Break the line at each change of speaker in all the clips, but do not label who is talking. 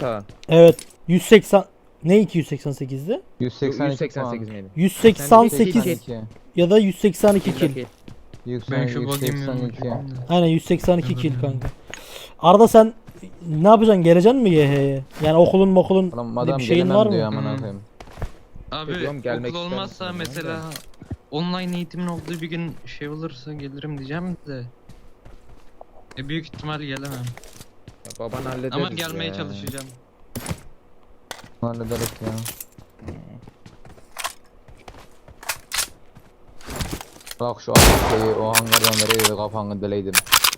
Kaan?
Evet. 180 ne 288'di?
188 miydi?
188 ya da 182 kill.
Ben şu bakayım
182.
Aynen 182 kill kanka. Arada sen ne yapacaksın? Geleceksin mi YH'ye? Yani okulun
Adam
bir şeyin var mı?
diyor amına koyayım.
Abi
Diyorum, gelmek
okul olmazsa
istiyorum
mesela online eğitimin olduğu bir gün şey olursa gelirim diyeceğim de. Büyük ihtimal gelemem.
Ya baban hallederiz
Ama gelmeye
ya.
çalışacağım.
Hallederiz ya. Bak şu şeyi o hangardan nereye kafanı deleydim.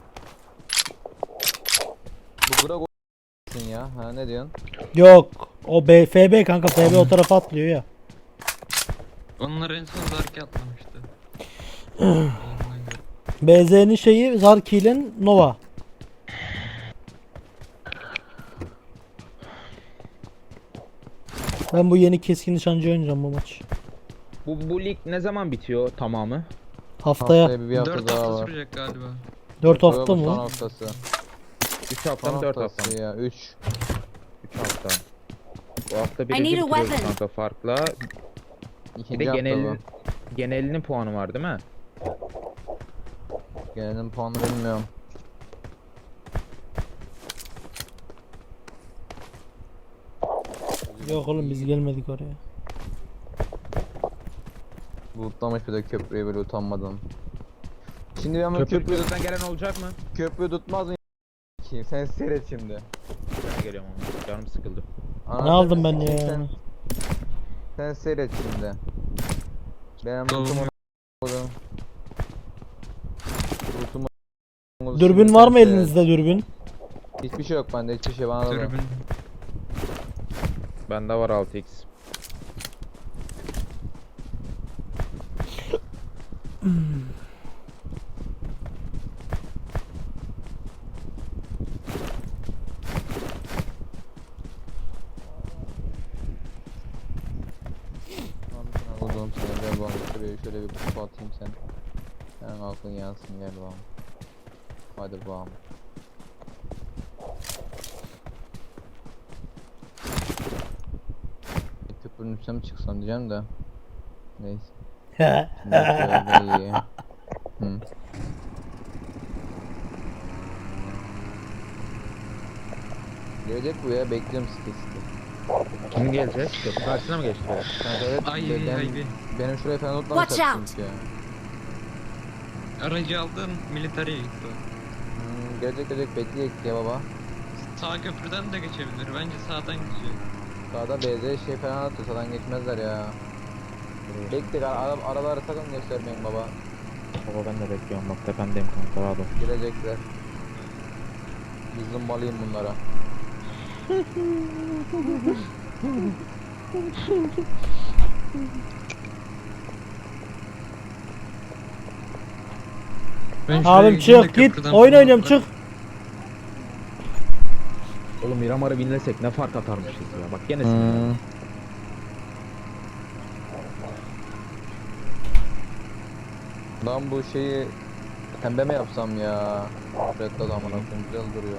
Bu bura koysun ya. Ha ne diyorsun?
Yok. O FB kanka, FB o tarafa atlıyor ya.
Onlar en son Zarki atlamıştı.
BZ'nin şeyi Zarki'nin Nova. Ben bu yeni keskin nişancı oynayacağım bu maç.
Bu lig ne zaman bitiyor tamamı?
Haftaya
Bir hafta
4
daha
hafta
var.
sürecek galiba.
4 hafta
Son
mı?
haftası.
3 hafta
Son
mı 4 hafta
haftası
mı?
ya. 3.
3 hafta. Bu hafta
I
birinci
need a
bitiriyoruz
weapon.
kanka farkla. Bir
İkinci
de
hafta bu.
genelinin puanı var değil mi?
Gelenin puanı bilmiyorum.
Yok oğlum biz gelmedik oraya.
Lootlamış bir de köprüyü böyle utanmadan. Şimdi ama
Köprü
köprü
gözden gelen olacak mı?
köprü tutmaz mı? Kim? Sen seyret şimdi.
Ben geliyorum ama canım sıkıldı.
Anladın
Ne aldım
mı?
ben ya?
Sen seyret şimdi. Benim
Doğru.
lootumu koydum. Lootumu
Dürbün var mı elinizde dürbün?
Hiçbir şey yok bende, hiçbir şey bana da ver.
Tribün.
Bende var 6x.
Oğlum sana gel bakalım şuraya şöyle bir pusu atayım sen. Senin aklın yansın gel bakalım. Hadi bakalım. Köprünün üstüne mi çıksam diyeceğim de. Neyse. Şimdi şöyle iyi. Hı. Gelecek bu ya, bekliyorum sitesi.
Kim gelecek? Köprü karşısına mı geçtiler?
Kanka evet,
Ay,
ben-
ay,
benim şuraya falan unutmamışlar
Watch out.
çünkü ya.
Aracı aldın militariye gitti.
Gelecek bekleyek ya baba.
Sağ köprüden de geçebilir. Bence sağdan geçecek.
Sağda BZ şey falan atıyor, sağdan geçmezler ya. Bekle, arabaları sakın göstermeyin baba.
Baba ben de bekliyorum bak tepemdeyim kanka rahat ol.
Gelecekler. Bir zımbalayayım bunlara.
Ben şuraya
Abim
gideyim de
çık git.
köprüden
Oyun
falan
oynuyorum
atlarım.
çık.
Oğlum Miramar'ı binlesek ne fark atarmışız ya bak gene
Lan bu şeyi pembe mi yapsam ya? Red Dot amına koyayım, güzel duruyor.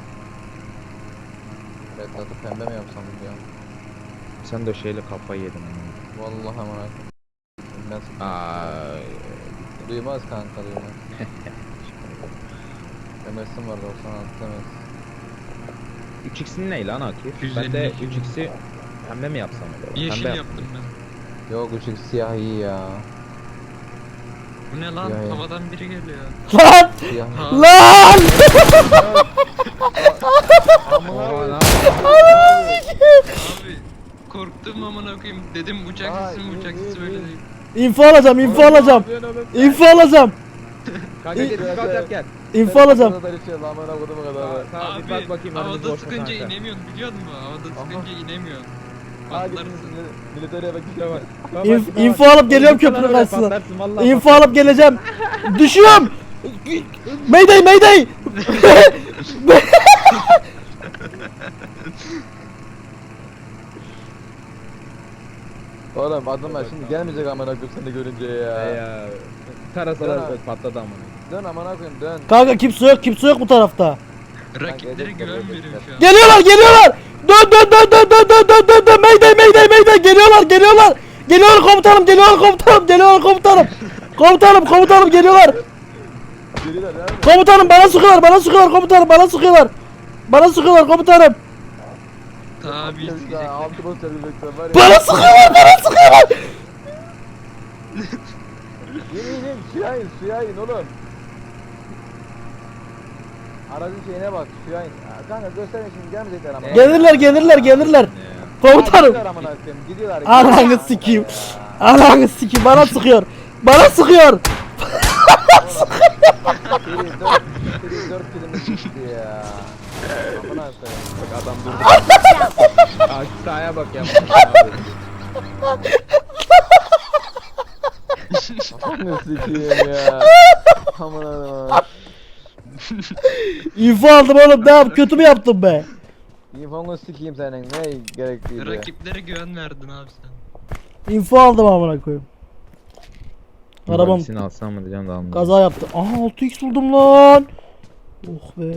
Red Dot'u pembe mi yapsam ya?
Sen de şeyle kafayı yedin.
Vallahi amına koyayım. Ben
Ay.
duymaz kanka, duymaz. Emerson var 96 demez.
3x'in ne lan Akif?
150.
Ben de 3x'i pembe mi yapsam acaba?
Yeşil
Pembe
yaptım ben.
Yok ışık siyah iyi ya.
Bu ne lan?
Ya, ya.
Havadan biri geliyor.
Lan!
Siyah.
Ha.
Lan!
Abi korktum amına koyayım. Dedim uçak
Ay,
sesi mi uçak
iyi,
sesi
iyi,
böyle
iyi.
değil.
İnfo alacağım, info alacağım. İnfo alacağım.
Kanka gel bir bak yap gel.
İnfo alacağım.
Tamam bir bak bakayım önümüz
Havada
boş mu
sıkınca
kanka?
inemiyorsun biliyor musun? Havada sıkınca inemiyorsun.
Hadi
Patlarsın.
militere bak işte bak.
İnfo alıp geliyorum köprünün karşısına. İnfo alıp geleceğim. Düşüyorum. Mayday mayday.
Oğlum adım var şimdi gelmeyecek amına koyayım seni görünce ya.
Ya. Tarasalar
Dön abi.
patladı amına.
Dön amına koyayım dön.
Kanka kimse yok bu tarafta.
Rakiplere
gelecekler,
güven
gelecekler.
veriyor şu an.
Geliyorlar. Dön dön dön dön dön dön dön dön dön. Mayday mayday mayday. Geliyorlar geliyorlar. Geliyorlar komutanım geliyorlar komutanım geliyorlar komutanım. Komutanım geliyorlar.
Geliyorlar nerede?
Komutanım bana sıkıyorlar komutanım bana sıkıyorlar. Bana sıkıyorlar komutanım.
Tabi
Ya altı basacağız bekle var ya.
Bana sıkıyorlar.
İn suya in oğlum. Aracın şeyine bak suya in. Kanka gösterme şimdi gelmeyecekler ama.
Gelirler. Komutanım.
Gidiyorlar amına koyayım, gidiyorlar.
Ananı sikeyim. Ananı sikeyim bana sıkıyor. Bana sıkıyor.
Seri 4 kilimiz gitti ya. Amına koyayım.
Bak adam durdu.
Watch out!
Aa, şu sağa bak ya.
Amına sikeyim ya. Amına koyayım.
İnfo aldım oğlum. Ne yap? Kötü mü yaptım be?
İnfonu sikeyim senin ne gerekliydi.
Rakiplere güven verdin abi sen.
İnfo aldım amına koyayım. Arabam
Hangisini alsam mı diyeceğim de almadım.
kaza yaptı. Aha 6x buldum lan. Oh be.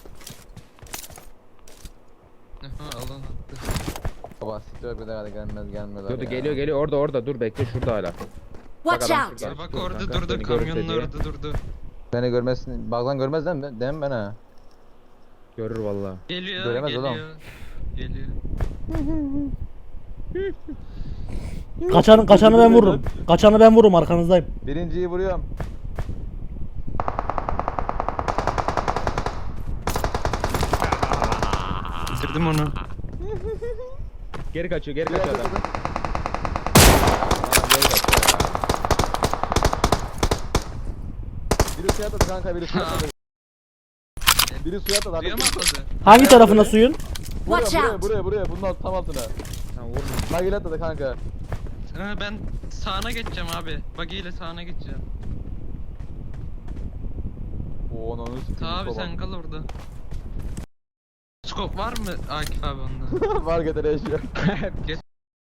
Aha alan attı.
Baba siktir bir daha gelmez.
Dur geliyor orada dur bekle şurada hala.
Watch
adam
out!
şurada.
Ya bak
Dur
orada
kanka,
durdu,
seni görürse
kamyonun
diye.
orada durdu.
Beni görmezsin. Baklan görmez değil mi? Değil mi ben ha?
Görür valla.
Geliyor,
Göremez
geliyor.
oğlum.
Geliyor.
Kaçanı ben vururum. Kaçanı ben vururum arkanızdayım.
Birinciyi vuruyorum.
Bitirdim onu.
Geri kaçıyor adam.
Geri kaçıyor. Biri suya atladı kanka, biri suya atladı. Biri suya atladı.
Suya mı atladı?
Hangi tarafına suyun?
Watch out!
Buraya. Bunun tam altına.
Tamam vurma.
Bagil atladı kanka.
Ha, ben sağına geçeceğim abi. Buggy ile sağına geçeceğim.
Oo onu sikeyim.
Tabi sen kal orada. Skop var mı Akif abi onda?
Var getir eşya.
Geç.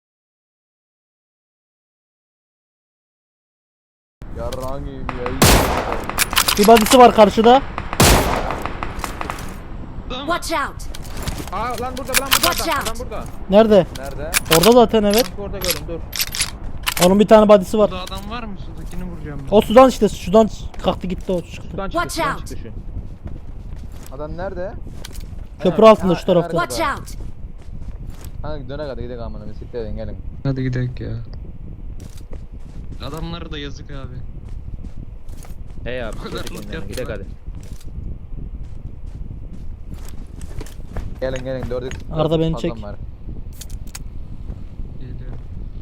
Yarrağın gibi ya.
Bir badisi var karşıda.
Tamam.
Watch out!
Aa lan burada
Watch out.
adam burada.
Nerede?
Nerede?
Orada zaten evet.
Bak orada görün dur.
Onun bir tane badisi var.
Burada adam var mı? Sudakini vuracağım ben.
O sudan işte sudan kalktı gitti o çıktı.
Şuradan çıktı
Watch out.
şu.
Adam nerede?
Köprü altında şu tarafta.
Nerede?
Watch out!
Hangi döne kadar gidelim amına bir siktir edin gelin.
Hadi gidelim ya. Adamlara da yazık abi.
Hey abi.
O kadar
çocuk
loot
oyunlarına gidelim
yaptılar.
hadi.
Gelin dördük.
Arda beni
fazlam
çek.
var.
Geliyor.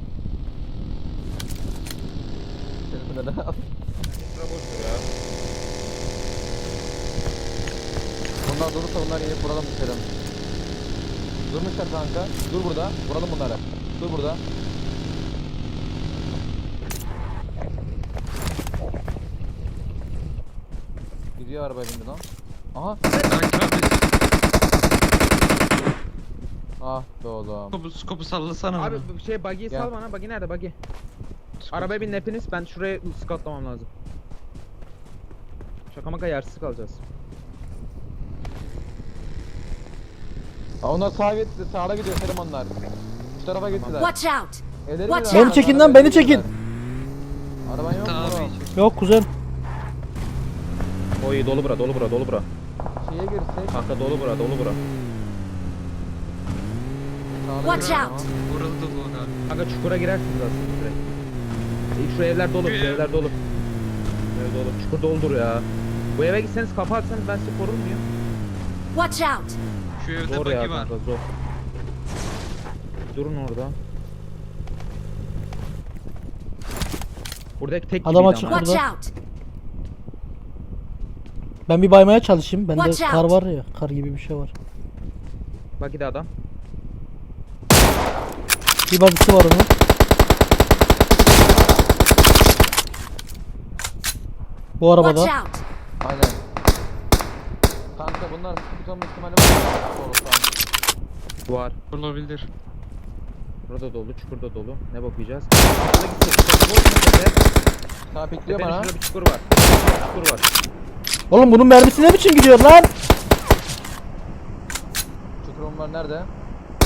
Telefonu da al. Bunlar durursa bunlar yiyip vuralım düşelim. Durmuşlar kanka. Dur burada. Vuralım bunları. Dur burada. Gidiyor araba bindi lan. Aha.
Akif abi
Ah be oğlum.
skopu sallasana
Abi
bana.
bu şey buggy'yi
Gel.
sal bana. Buggy nerede buggy? Arabaya bin hepiniz. Ben şuraya scoutlamam lazım. Şaka maka yersiz kalacağız.
Aa, onlar sağa gitti. Sağa gidiyor Selim onlar. Şu tarafa gittiler.
Watch out!
Ederim
Watch
ya,
out.
Beni çekin
arabayı
lan, beni
gittiler.
çekin.
Araban yok mu
Tabi.
oğlum?
Yok kuzen.
Oy dolu bura.
Şeye girsek.
Kanka dolu bura.
Sağda
Watch
girelim
out.
ama.
Vuruldu bu abi.
Kanka çukura girersiniz aslında direkt. Şu evler dolu. Ev dolu. Çukur doludur ya. Bu eve gitseniz kafa atsanız ben sizi korur muyum?
Watch out!
Şu evde
Zor ya
buggy var.
kanka zor. Durun orada. Buradaki tek
Adam
gibiydi
açık
ama.
Watch
Burada.
out!
Ben bir baymaya çalışayım. Bende
Watch
kar
out.
var ya. Kar gibi bir şey var.
Bak bir de adam.
Bir badisi var onun. Bu arabada.
Watch out!
Aynen. Kanka bunlar tutan ihtimali var. Olursa.
Var.
Olabilir.
Burada dolu, çukurda dolu. Ne bakacağız? Şurada gitsek.
Sağ pikliyor
Tepenin
bana.
şurada bir çukur var. Çukur var.
Oğlum bunun mermisi ne biçim gidiyor lan?
Çukurum var nerede?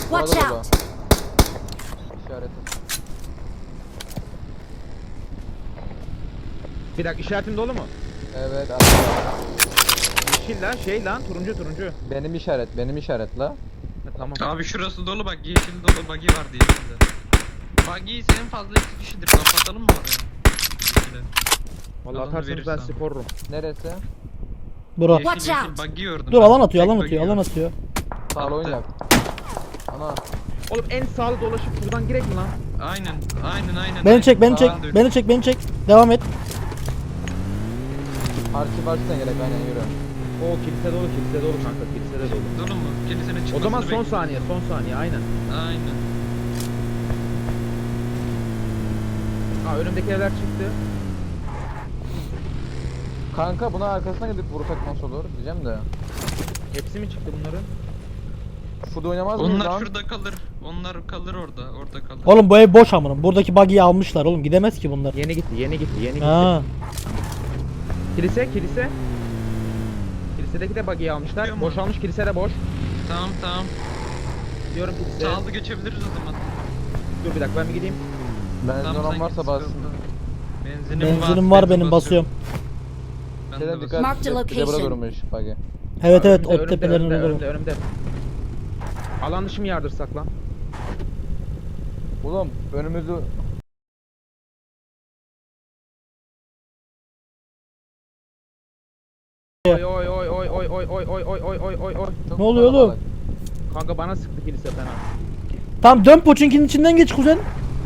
Watch
Orada
out!
İşareti.
Bir dakika işaretin dolu mu?
Evet arkada.
Yeşil lan şey lan turuncu.
Benim işaret la.
Ha, tamam.
Abi şurası dolu bak, yeşil dolu, buggy var yeşilde. Buggy'yi en fazla 2 kişidir, kapatalım mı oraya? Yeşile.
Vallahi
Alanı
atarsanız ben
verirsen.
sizi korurum.
Neresi?
Bura.
Yeşil
Watch
yeşil
out.
buggy gördüm.
Dur
ben.
alan atıyor
Tek
alan
buggy
atıyor alan
gördüm.
atıyor.
Sağlı
Attı.
oynak. Ana.
Oğlum en sağlı dolaşıp şuradan girek mi lan?
Aynen.
Beni çek beni çek
Aa, dur.
beni çek beni çek. Devam et.
Arşivden gerek aynen yürü.
O kilise dolu kanka kilise de dolu.
Dolu mu? Kilisenin çıkmasını
O zaman son
bekliyorum.
saniye aynen.
Aynen.
Ha önümdeki evler çıktı.
Kanka buna arkasına gidip vursak nasıl olur diyeceğim de.
Hepsi mi çıktı bunların?
Şurada oynamaz mıyız
Onlar
lan?
şurada kalır. Onlar kalır orada. Orada kalır.
Oğlum bu ev boş amınım. Buradaki buggy'yi almışlar oğlum. Gidemez ki bunlar.
Yeni gitti.
Ha.
Kilise. Kilisedeki de buggy'yi almışlar.
Biliyor mu?
Boşalmış kilise de boş.
Tamam.
Diyorum kilise.
Sağlı geçebiliriz o zaman.
Dur bir dakika ben bir gideyim.
Benzin
Tamam,
olan
sen
varsa
git,
bassın.
sıkıntı.
Benzinim var benim basıyorum.
Ben
Şeyden
de
dikkat
Mark the
et. Bir de burada
location.
durmuş bagi.
Evet
Ha,
evet
önümde,
o tepelerin orada.
önümde. Alan dışı mı yardırsak lan?
Oğlum önümüzü
Oy.
çok
Ne oluyor oğlum?
kalabalık.
Kanka bana sıktı kilise fena.
Tamam dön Poçinki'nin içinden geç kuzen.
Oğlum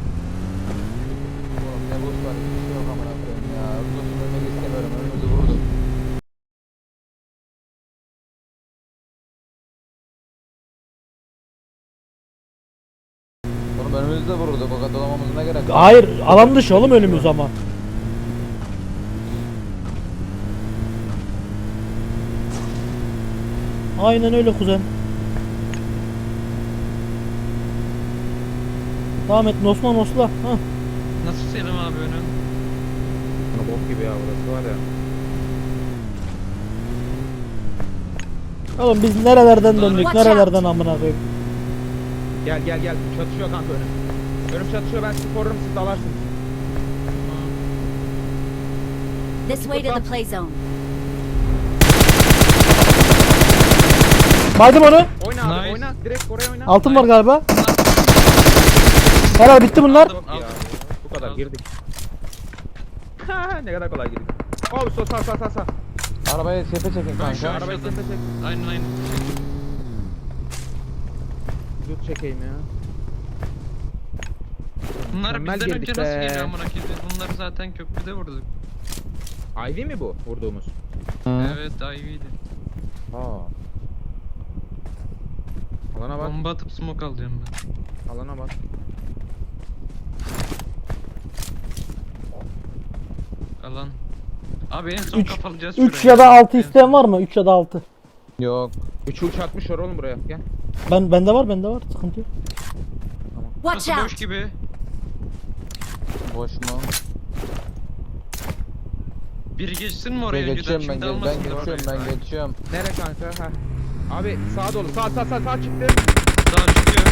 ne buz var hiçbir şey yok amına koyayım ya. Uzun ölmek istemiyorum önümüzü vurduk. Oğlum önümüzde vururduk o kadar dolamamızın ne gerek var?
Hayır alan dışı oğlum önümüz ama. Aynen öyle kuzen. Devam et nosla. Ha.
Nasıl Selim abi önün?
Bok gibi ya burası var ya.
Oğlum biz nerelerden döndük
Watch
nerelerden amına koyayım.
Gel. Çatışıyor kanka önüm. Önüm çatışıyor ben sizi korurum siz dalarsınız.
This way to the play zone.
Baydım onu.
Oyna abi
Nice.
oyna. Direkt oraya oyna.
Altın var galiba. Helal bitti bunlar.
Aldım.
Ya, bu kadar
Aldım.
girdik. Ne kadar kolay girdik. Oh sağ.
Arabayı sepe çekin
Ben şu
kanka.
an-
Arabayı
Aşağıdan.
sepe çek.
Aynen.
Dur çekeyim ya.
Bunlar
Mükemmel
bizden önce
girdik
nasıl
be.
geliyor amına koyayım? Biz bunları zaten köprüde vurduk.
Ivy mi bu vurduğumuz?
Evet, Ivy'ydi.
Aa. Alana bak.
Bomba atıp smoke alacağım ben.
Alana bak.
Alan. Abi en son
Üç-
kapalacağız
3
şurayı.
ya da 6
En
isteyen var mı? 3 ya da 6.
Yok.
3'ü uçakmışlar oğlum buraya. Gel.
Bende var. Sıkıntı yok.
Watch
Burası boş
out!
gibi.
Boş mu?
Biri geçsin mi
Ben
oraya önceden?
geçiyorum
Şimdi
ben
almasınlar
geçiyorum
orayı.
ben geçiyorum.
Nere kanka? Ha. Abi sağa dolu. Sağ çıktı.
Sağ çıkıyor.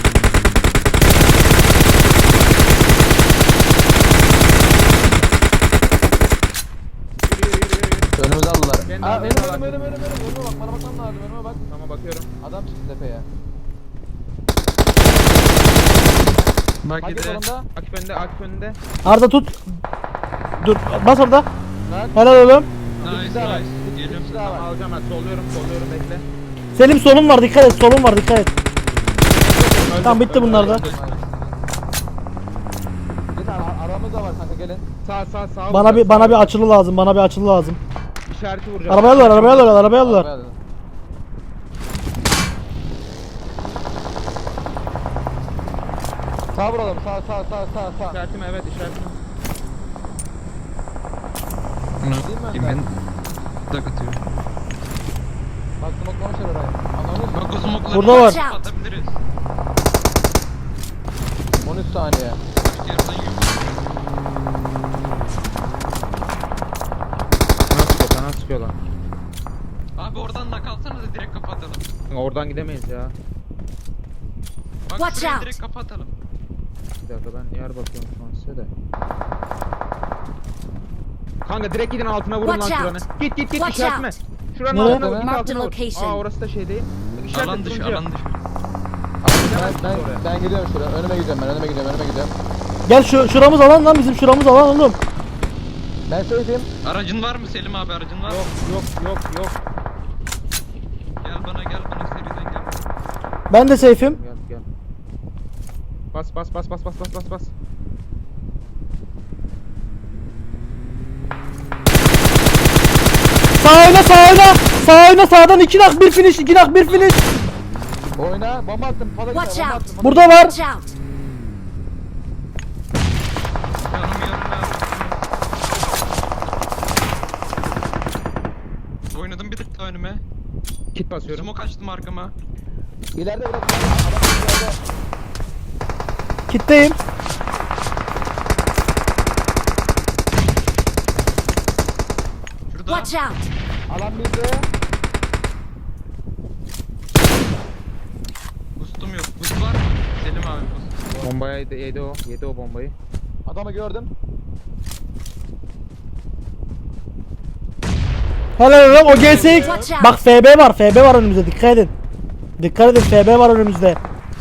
Yürü.
Önümüzü aldılar.
Ben de
Aa
aldım,
önüme
ben de
bak bana bakmam lazım önüme bak.
Tamam bakıyorum.
Adam çıktı tepeye.
Bak
Hadi
bir de.
solunda.
Akif önünde.
Arda tut. Dur bas orada.
Lan.
Helal oğlum.
Nice
daha var.
nice. Geliyorum.
Bir daha
Tamam
var.
alacağım ben. Solluyorum bekle.
Selim solun var dikkat et. Solun var dikkat et. Tamam bitti bunlar da.
Bir tane aramız da var kanka gelin.
Sağ.
Bana bir açılı lazım. Bana bir açılı lazım.
İşareti vuracağım.
Arabaya alıyorlar.
Arabaya alın. Sağ vuralım sağ.
İşaretim evet işaretim.
Değil mi
Kim
Önder?
ben? Tak atıyor.
Bak smoklamışlar orayı. Anladın mı?
Bak o smoke'ları
Burada var.
atabiliriz.
13 saniye.
Başka yerden yok.
Sana sıkıyor lan.
Abi oradan da kalsana da direkt kapatalım.
Oradan gidemeyiz ya.
Bak
Watch
şuraya
out.
direkt kapatalım.
Bir dakika ben yer bakıyorum şu an size de. Kanka direkt gidin altına vurun lan
Watch
şuranı.
out.
Git
Watch
işaretme.
out.
Şuranın
Nereye?
altına vur, git
Marked
altına vur.
location.
Aa orası da şey değil. İşaret
Alan dışı,
turuncuya.
alan dışı.
Ben gidiyorum şuraya. Önüme gidiyorum ben. Önüme gidiyorum.
Gel şuramız alan lan, bizim şuramız alan oğlum.
Ben söyleyeyim.
Aracın var mı Selim abi, aracın var mı?
Yok.
Gel bana seriden gel.
Ben de safe'im.
Gel. Bas.
Sağ oyna sağdan 2 nak 1 finish 2 nak 1 finish.
Oyna. Bomba attım. Pala
Watch
bomba
out.
attım.
Burada var.
Watch out.
Yanım ya. Oynadım bir tık daha önüme.
Kit basıyorum.
Smoke açtım arkama.
İleride bırak. Adam ileride.
Kitleyim.
Şurada.
Watch out.
Alan bizde.
Boost'um yok. Boost var mı? Selim abi boost.
Bombaya yedi o. Yedi o bombayı.
Adamı gördüm.
Helal oğlum o GSX.
Watch out.
Bak FB var önümüzde, dikkat edin. Dikkat edin, FB var önümüzde.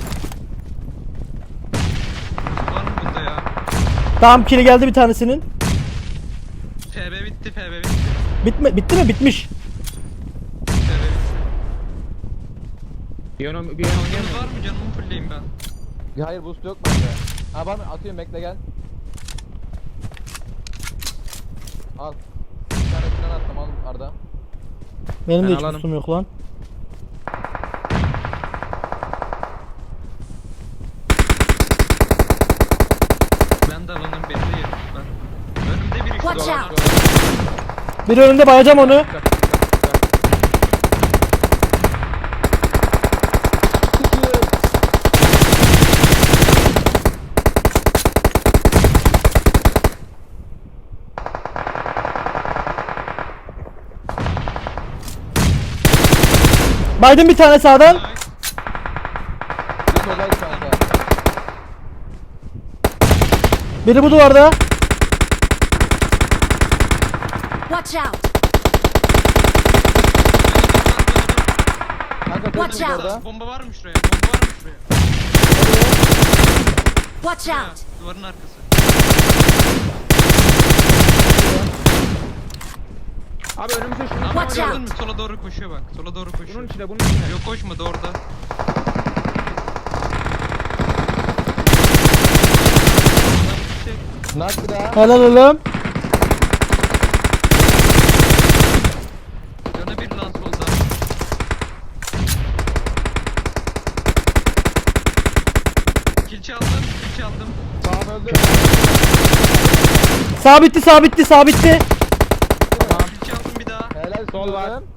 Var mı bunda ya?
Tamam, kili geldi bir tanesinin.
FB bitti.
Bitti mi? Bitmiş.
FB bitti.
Bir yana
Canınız
oynayamıyorum.
var mı? Canımı fullleyeyim ben.
Ya hayır boost yok bende. Ha var mı? Atıyorum bekle gel. Al. Bir tanesinden attım al Arda.
Benim
Ben
de hiç
alanım.
boostum yok lan.
Ben de alanım belli yerim ben. Önümde biri
Watch
şurada.
out.
Bir önünde bayacağım onu. Baydım bir tane sağdan.
Nice.
Bir soldaydı kanka.
Biri bu duvarda.
Watch out.
Kanka
Watch
koşun
out.
orada.
Bomba var mı şuraya? Bomba var mı şuraya?
Watch
Şuraya,
out.
duvarın arkası.
Abi önümüze şunu
Ama
Watch
gördün
out.
mü? Sola doğru koşuyor bak. Sola doğru koşuyor.
bunun içine.
Yok koşmadı orada.
Nak bir daha.
Helal oğlum.
Yana bir lan solda. Kill çaldım.
Sağım öldü.
Sağ bitti.
Kill çaldım bir daha.
Helal
Sol var.
oğlum.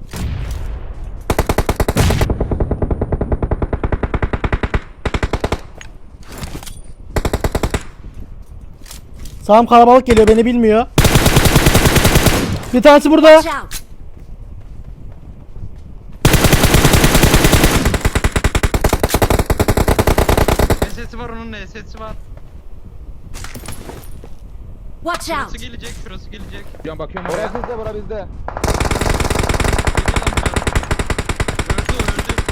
Sağım kalabalık geliyor, beni bilmiyor. Bir tanesi burada.
Watch out.
SS'i var onun SS'i var.
Watch out.
Şurası gelecek.
Can bakıyorum oraya.
Bura bizde bura bizde.
Geliyor lan buraya.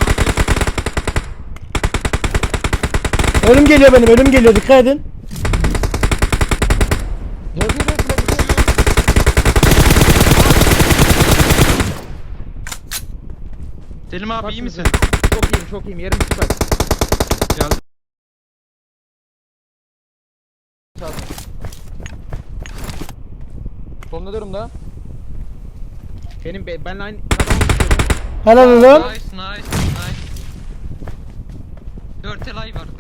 Öldü.
Ölüm geliyor, dikkat edin.
Yazıyor da flaşı.
Selim abi iyi misin?
Çok iyiyim. Yerim süper.
Geldim.
Çaldım. Sonunda durumda.
Benle aynı
Helal oğlum.
Nice. 4 elay var.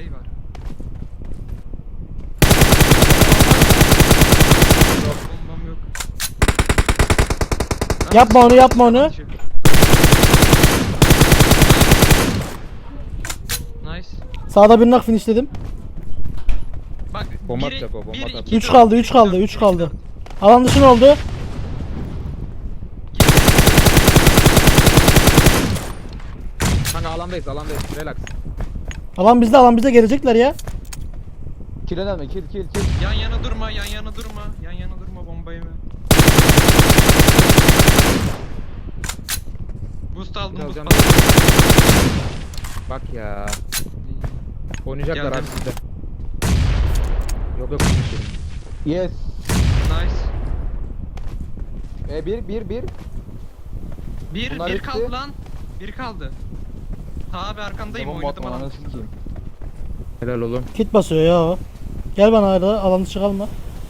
Bombam yok.
Yapma onu.
Nice.
Sağda bir nak finishledim.
Bak
Bomba
biri-
atacak o, bomba
biri,
atacak.
iki,
3
dört.
kaldı, 3 kaldı. Alan dışı ne oldu?
Kanka alandayız. Relax.
Alan bizde gelecekler ya.
Kill önemli, kill.
Yan yana durma, yan yana durma. Yan yana durma, bombayı mı? Boost aldım,
Biraz
boost
can-
aldım.
Bak ya. Oynayacaklar
Geldim.
abi sizde. Yok yok. konuşuyorum.
Yes.
Nice.
Bir. Bunlar
Bir
bitti.
kaldı lan. Bir kaldı. Ta abi arkandayım,
Tamam,
oynadım
Batman,
alanı.
anasını sikeyim.
Helal oğlum.
Kit basıyor ya o. Gel bana arada alanı çıkalma.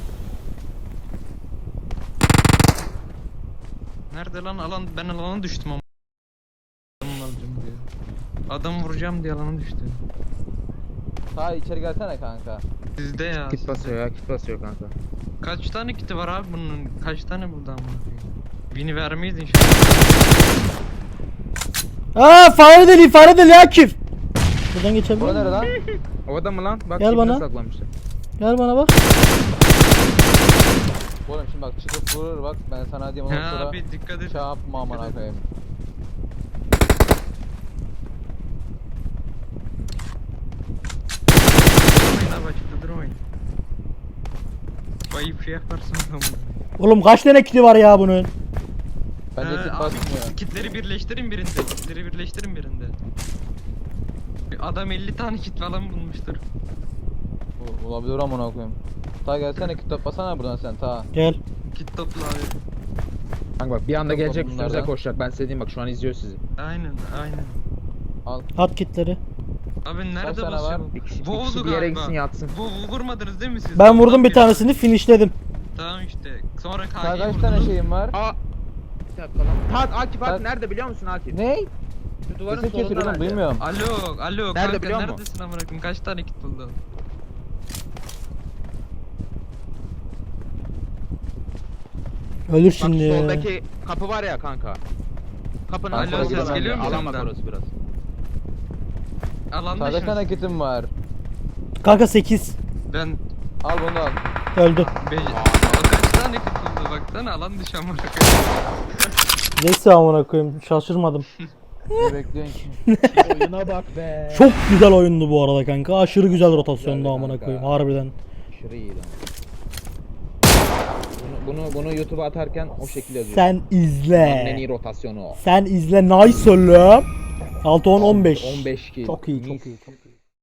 Nerede lan alan? Ben alana düştüm ama. Adamı alacağım diye. Adam vuracağım diye alana düştüm.
Ta içeri gelsene kanka.
Sizde ya.
Kit
sizde.
basıyor ya, kit basıyor kanka.
Kaç tane kiti var abi bunun? Kaç tane buradan bakayım? Bini vermeyiz inşallah.
Aa fare deli Akif. Buradan geçebilir
Bura nere
miyim?
lan?
O adam mı lan? Bak
Gel
dibine
bana.
saklamışlar.
Gel bana bak.
Oğlum şimdi bak çıkıp vurur bak ben sana diyeyim ondan
Ha
sonra
abi dikkat et.
şey yapma amına
Dikkat et.
koyayım.
Durmayın abi açıkta durmayın. Bayıp şey yaparsın tamam.
Oğlum kaç tane kiti var ya bunun?
Bence kit
Abi
basmıyor.
kitleri birleştirin birinde. Kitleri birleştirin birinde. Adam 50 tane kit falan bulmuştur.
Olabilir amına koyayım. Ta gelsene kit toplasana buradan sen ta.
Gel.
Kit topla abi.
Kanka bak bir anda
Yok
gelecek
oğlum
üstünüze
bunlardan.
koşacak. Ben size diyeyim bak şu an izliyor sizi.
Aynen.
Al.
At kitleri.
Abi nerede
tane
basıyor?
var?
bu?
Bir kişi
Vurdu
bir yere
galiba.
gitsin yatsın.
Vurmadınız değil mi siz?
Ben vurdum
Ondan
bir tanesini finishledim.
Tamam işte. Sonra
Ta
KG'yi
kaç tane
vurdunuz.
şeyim var?
Aa. Bir dakika lan. Akif
Tak.
nerede biliyor musun Akif?
Ne?
Şu duvarın
Sesi
solunda
kesildi oğlum
bence.
duymuyorum.
Alo
Nerede
kanka
biliyor musun?
neredesin amına koyayım? Kaç tane kit buldun?
Ölür
Bak
şimdi
şu
ya.
soldaki kapı var ya kanka. Kapının
Alo,
solunda
ses
bence.
geliyor mu
Alan bak
senden?
orası biraz.
Alanda
Ta kaç tane
şans.
kitim var?
Kanka 8.
Ben
Al bunu da al.
Öldü.
Kaç tane kit buldu baksana alan dışı amına koyayım.
Neyse amına koyayım şaşırmadım.
Ne bekliyorsun ki?
Oyuna bak be.
Çok güzel oyundu bu arada kanka. Aşırı güzel rotasyondu
Güzeldi
amına
kanka.
koyayım harbiden.
Aşırı iyi lan. Bunu YouTube'a atarken o şekilde yazıyor.
Sen
En iyi
izle.
rotasyonu o.
Sen izle nice oğlum. 6 10 15.
15 kill.
Çok iyi çok
Mis.
iyi. Çok iyi.